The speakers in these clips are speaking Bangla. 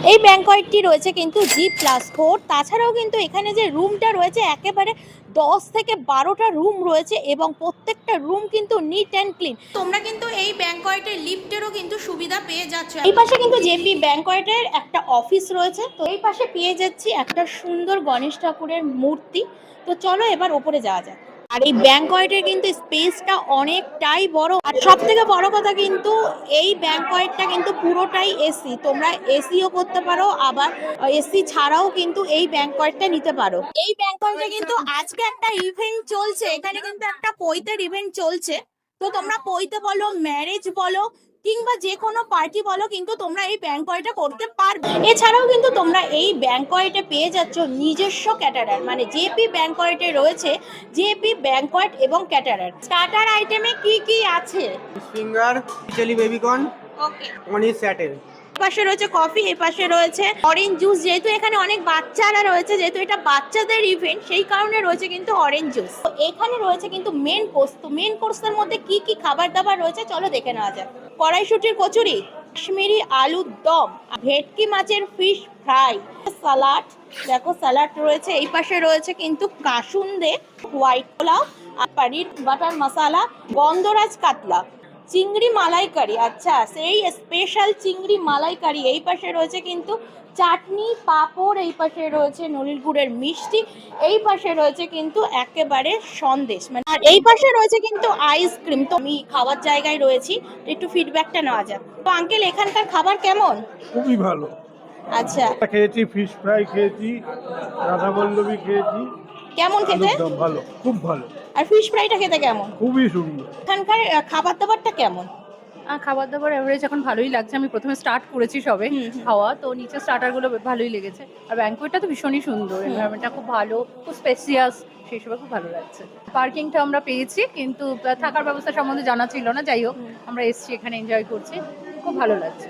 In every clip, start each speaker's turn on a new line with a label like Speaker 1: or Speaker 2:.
Speaker 1: এই ব্যাংকয়েটটি রয়েছে কিন্তু G+4। তাছাড়াও কিন্তু এখানে যে রুমটা রয়েছে একেবারে 10 থেকে 12টা রুম রয়েছে এবং প্রত্যেকটা রুম কিন্তু নিট অ্যান্ড ক্লিন। তোমরা কিন্তু এই ব্যাংকয়েটের লিফটেরও কিন্তু সুবিধা পেয়ে যাচ্ছ। এই পাশে কিন্তু জেপি ব্যাংকয়েটের একটা অফিস রয়েছে, তো এই পাশে পেয়ে যাচ্ছি একটা সুন্দর গণেশ ঠাকুরের মূর্তি। তো চলো এবার ওপরে যাওয়া যাক। আর এই ব্যাংকয়েটের কিন্তু স্পেসটা অনেকটাই বড়, আর সব থেকে বড় কথা কিন্তু এই ব্যাংকয়েটটা কিন্তু পুরোটাই এসি। তোমরা এসিও করতে পারো, আবার এসি ছাড়াও কিন্তু এই ব্যাংকয়েটটা নিতে পারো। এই ব্যাংকয়েটে কিন্তু আজকে একটা ইভেন্ট চলছে, এখানে কিন্তু একটা পৈতের ইভেন্ট চলছে। তো তোমরা পৈতে বলো, ম্যারেজ বলো, কিংবা যে কোনো পার্টি বলো, কিন্তু তোমরা এই ব্যাংকয়েটে করতে পারবে। এছাড়াও কিন্তু তোমরা এই ব্যাংকয়েটে পেয়ে যাচ্ছ নিজস্ব ক্যাটারার, মানে জেপি ব্যাংকয়েটে রয়েছে জেপি ব্যাংকয়েট এবং ক্যাটারার। স্টার্টার আইটেমে কি কি আছে?
Speaker 2: Finger, chilli baby corn,
Speaker 1: okay.
Speaker 2: অনিস স্যাটেল।
Speaker 1: পাশে রয়েছে কফি, এই পাশে রয়েছে অরেঞ্জ জুস। যেহেতু এখানে অনেক বাচ্চারা রয়েছে, যেহেতু এটা বাচ্চাদের ইভেন্ট, সেই কারণে রয়েছে কিন্তু অরেঞ্জ জুস। তো এখানে রয়েছে কিন্তু মেন কোর্স। তো মেন কোর্সের মধ্যে কি কি খাবার দাবার রয়েছে চলো দেখে নেওয়া যাক। কড়াইশুটির কচুরি, কাশ্মীরি আলুর দম, ভেটকি মাছের ফিশ ফ্রাই, সালাড, দেখো স্যালাড রয়েছে। এই পাশে রয়েছে কিন্তু কাসুন্দে, হোয়াইট পোলাও, আর পনির বাটার মশলা, গন্ধরাজ কাতলা, চিংড়ি মালাইকারি। আচ্ছা, সেই স্পেশাল চিংড়ি মালাইকারি। এই পাশে রয়েছে কিন্তু চাটনি, পাঁপড়, এই পাশে রয়েছে নলির গুড়ের মিষ্টি, এই পাশে রয়েছে কিন্তু একেবারে সন্দেশ, মানে আর এই পাশে রয়েছে কিন্তু আইসক্রিম। তো আমি খাওয়ার জায়গায় রয়েছি, একটু ফিডব্যাকটা নেওয়া যাক। তো আঙ্কেল, এখানকার খাবার কেমন?
Speaker 3: খুবই ভালো।
Speaker 1: আচ্ছা,
Speaker 3: খেয়েছি, ফিশ ফ্রাই খেয়েছি, রাধাবল্লভী খেয়েছি।
Speaker 1: কেমন খেতে?
Speaker 3: আলুর দম ভালো, খুব ভালো।
Speaker 1: আর ফিশ ফ্রাইটা খেতে কেমন?
Speaker 3: খুবই সুন্দর।
Speaker 1: এখানকার খাবার দাবারটা কেমন?
Speaker 4: খাবার দাবার এভারেজ এখন ভালোই লাগছে। আমি প্রথমে স্টার্ট করেছি সবে খাওয়া, তো নিচে স্টার্টারগুলো ভালোই লেগেছে। আর ব্যাংকোয়েটটা তো ভীষণই সুন্দর, এনভায়রনমেন্টটা খুব ভালো, খুব স্পেসিয়াস, সেই সবে খুব ভালো লাগছে। পার্কিংটা আমরা পেয়েছি, কিন্তু থাকার ব্যবস্থা সম্বন্ধে জানা ছিল না। যাই হোক, আমরা এসছি, এখানে এনজয় করছি, খুব ভালো লাগছে।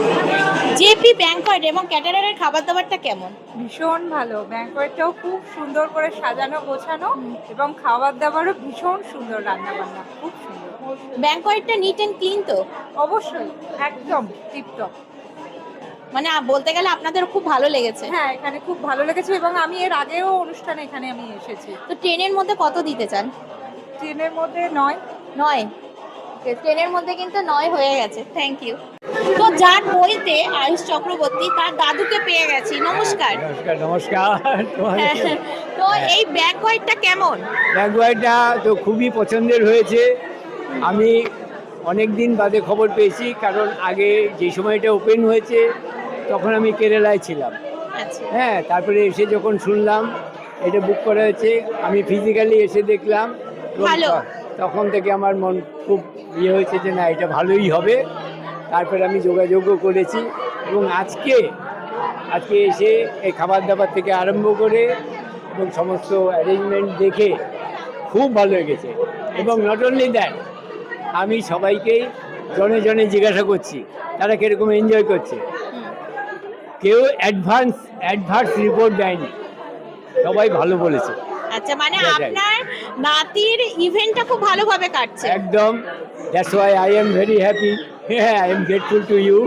Speaker 1: জেপি ব্যাংকয়েট এবং ক্যাটারারের খাবার দাবারটা কেমন?
Speaker 5: ভীষণ ভালো। ব্যাংকয়েটটাও খুব সুন্দর করে সাজানো গোছানো, এবং খাবার দাবারও ভীষণ সুন্দর, রান্না বান্না খুব সুন্দর।
Speaker 1: ব্যাংকয়েটটা নিট অ্যান্ড ক্লিন তো?
Speaker 5: অবশ্যই, একদম টিপটপ।
Speaker 1: মানে বলতে গেলে আপনাদের খুব ভালো লেগেছে।
Speaker 5: হ্যাঁ, এখানে খুব ভালো লেগেছে, এবং আমি এর আগেও অনুষ্ঠানে এখানে আমি এসেছি।
Speaker 1: তো ট্রেনের মধ্যে কত দিতে চান?
Speaker 5: ট্রেনের মধ্যে 9।
Speaker 1: 9? ট্রেনের মধ্যে কিন্তু 9 হয়ে গেছে। Thank you. তো যার বইতে আয়ুষ চক্রবর্তী, তার দাদুকে পেয়ে গেছি। নমস্কার।
Speaker 6: নমস্কার নমস্কার।
Speaker 1: হ্যাঁ, তো এই ব্যাংকয়েটটা কেমন?
Speaker 6: ব্যাংকয়েটটা তো খুবই পছন্দের হয়েছে। আমি অনেক দিন বাদে খবর পেয়েছি, কারণ আগে যে সময়টা ওপেন হয়েছে তখন আমি কেরালায় ছিলাম।
Speaker 1: আচ্ছা,
Speaker 6: হ্যাঁ, তারপরে এসে যখন শুনলাম এটা বুক করা হয়েছে, আমি ফিজিক্যালি এসে দেখলাম, এবং
Speaker 1: ভালো।
Speaker 6: তখন থেকে আমার মন খুব ইয়ে হয়েছে যে না, এটা ভালোই হবে। তারপরে আমি যোগাযোগও করেছি, এবং আজকে এসে এই খাবার দাবার থেকে আরম্ভ করে এবং সমস্ত অ্যারেঞ্জমেন্ট দেখে খুব ভালো লেগেছে। এবং নট অনলি দ্যাট, আমি সবাইকেই জনে জনে জিজ্ঞাসা করছি তারা কীরকম এনজয় করছে। কেউ অ্যাডভান্স রিপোর্ট দেয়নি, সবাই ভালো বলেছে।
Speaker 1: আচ্ছা, মানে
Speaker 6: সেটাই।
Speaker 1: আপনার নাতির ইভেন্টটা খুব ভালোভাবে কাটছে।
Speaker 6: একদম, that's why I am very happy, I am grateful to you.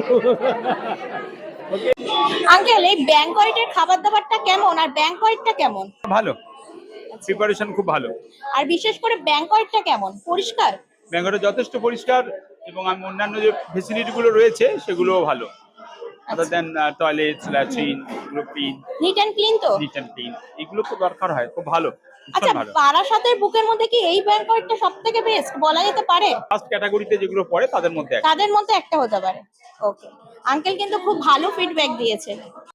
Speaker 1: Uncle, এই ব্যাংকয়েটের খাবার দাবারটা কেমন, আর ব্যাংকয়েটটা কেমন?
Speaker 7: ভালো, প্রিপারেশন খুব ভালো।
Speaker 1: আর বিশেষ করে ব্যাংকয়েটটা কেমন? পরিষ্কার?
Speaker 7: ব্যাঙ্গালোরে যথেষ্ট পরিষ্কার, এবং আমি অন্যান্য যে ফেসিলিটিগুলো রয়েছে সেগুলোও ভালো। আদার দেন টয়লেটস, ল্যাট্রিন, এগুলো ক্লিন,
Speaker 1: নিট অ্যান্ড ক্লিন তো?
Speaker 7: নিট অ্যান্ড ক্লিন, এগুলো তো দরকার হয়, খুব ভালো,
Speaker 1: আচ্ছা,
Speaker 7: ভীষণ ভালো।
Speaker 1: বারাসাতের বুকের মধ্যে কি এই ব্যাংকয়েটটা সব থেকে বেস্ট বলা যেতে পারে?
Speaker 7: ফার্স্ট ক্যাটাগরিতে যেগুলো পড়ে তাদের মধ্যে একটা।
Speaker 1: তাদের মধ্যে একটা হতে পারে। ওকে, আঙ্কেল কিন্তু খুব ভালো ফিডব্যাক দিয়েছে।